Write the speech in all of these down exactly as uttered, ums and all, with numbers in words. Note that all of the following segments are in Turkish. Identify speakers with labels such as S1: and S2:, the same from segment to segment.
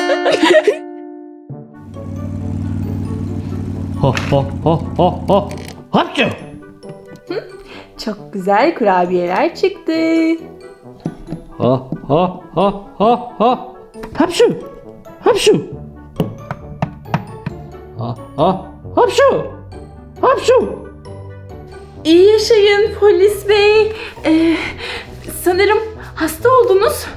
S1: Ha ha ha ha ha. Hapşu.
S2: Çok güzel kurabiyeler çıktı.
S1: Ha ha ha ha ha. Hapşu. Hapşu. Ha ha. Hapşu. Hapşu.
S2: İyi yaşayın polis bey. Ee, sanırım hasta oldunuz.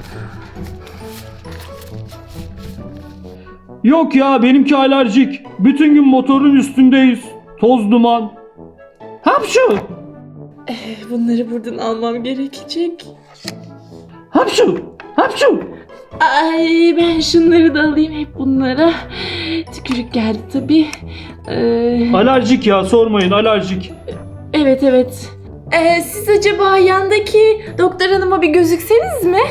S1: Yok ya, benimki alerjik. Bütün gün motorun üstündeyiz. Toz duman. Hapşu.
S2: Ee, bunları buradan almam gerekecek.
S1: Hapşu. Hapşu.
S2: Ay ben şunları da alayım hep bunlara. Tükürük geldi tabii. Ee,
S1: Alerjik ya, sormayın, alerjik.
S2: evet evet. Ee, siz acaba yandaki doktor hanıma bir gözükseniz mi?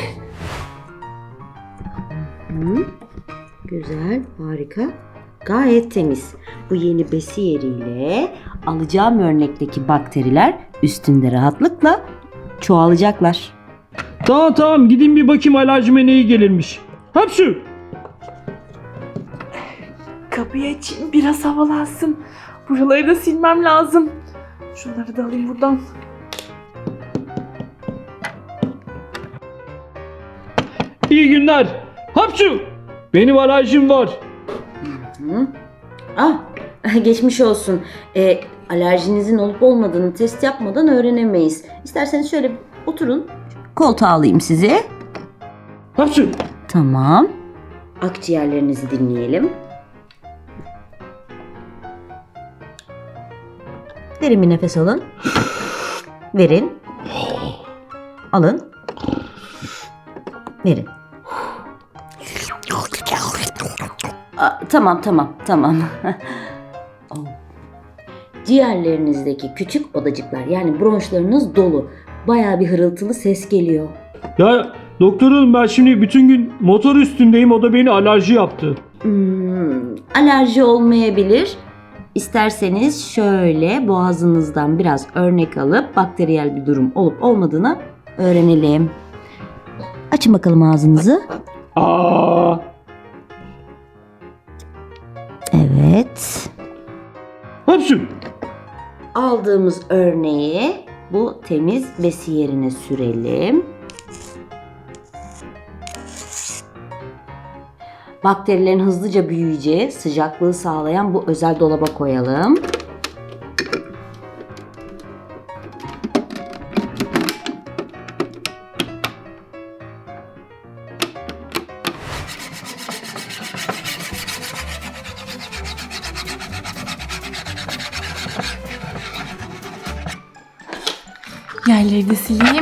S3: Hı, güzel, harika. Gayet temiz. Bu yeni besi yeriyle alacağım örnekteki bakteriler üstünde rahatlıkla çoğalacaklar.
S1: Tamam tamam, gidin bir bakayım alerjime neyi gelirmiş. Hapşu.
S2: Kapıyı açayım biraz havalansın. Buraları da silmem lazım. Şunları da alayım buradan.
S1: İyi günler. Hapşu. Benim alerjim var.
S3: Hı? Ah, geçmiş olsun. E, alerjinizin olup olmadığını test yapmadan öğrenemeyiz. İsterseniz şöyle oturun. Koltuğa alayım sizi.
S1: Hapşu.
S3: Tamam. Akciğerlerinizi dinleyelim. Derin bir nefes alın. Verin. Alın. Verin. Aa, tamam tamam tamam. Oh. Ciğerlerinizdeki küçük odacıklar yani bronşlarınız dolu. Bayağı bir hırıltılı ses geliyor.
S1: Ya doktorum, ben şimdi bütün gün motor üstündeyim, o da beni alerji yaptı.
S3: Hmm, alerji olmayabilir. İsterseniz şöyle boğazınızdan biraz örnek alıp bakteriyel bir durum olup olmadığını öğrenelim. Açın bakalım ağzınızı.
S1: Aa.
S3: Evet.
S1: Hapşu.
S3: Aldığımız örneği bu temiz besi yerine sürelim. Bakterilerin hızlıca büyüyeceği, sıcaklığı sağlayan bu özel dolaba koyalım.
S2: Yerleri de sileyim.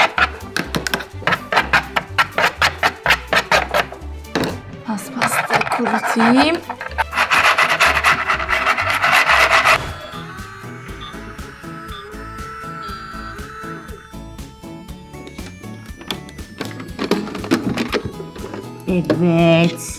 S2: Paspasta kurutayım.
S3: Evet.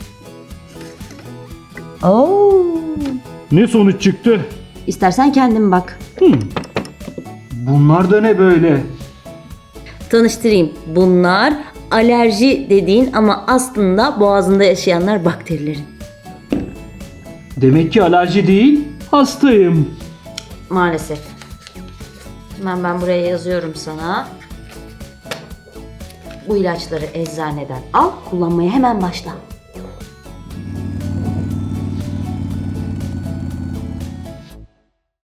S3: Oo.
S1: Ne sonuç çıktı?
S3: İstersen kendin bak.
S1: Hmm. Bunlar da ne böyle?
S3: Tanıştırayım. Bunlar alerji dediğin ama aslında boğazında yaşayanlar bakterilerin.
S1: Demek ki alerji değil, hastayım.
S3: Maalesef. Hemen ben buraya yazıyorum sana. Bu ilaçları eczaneden al, kullanmaya hemen başla.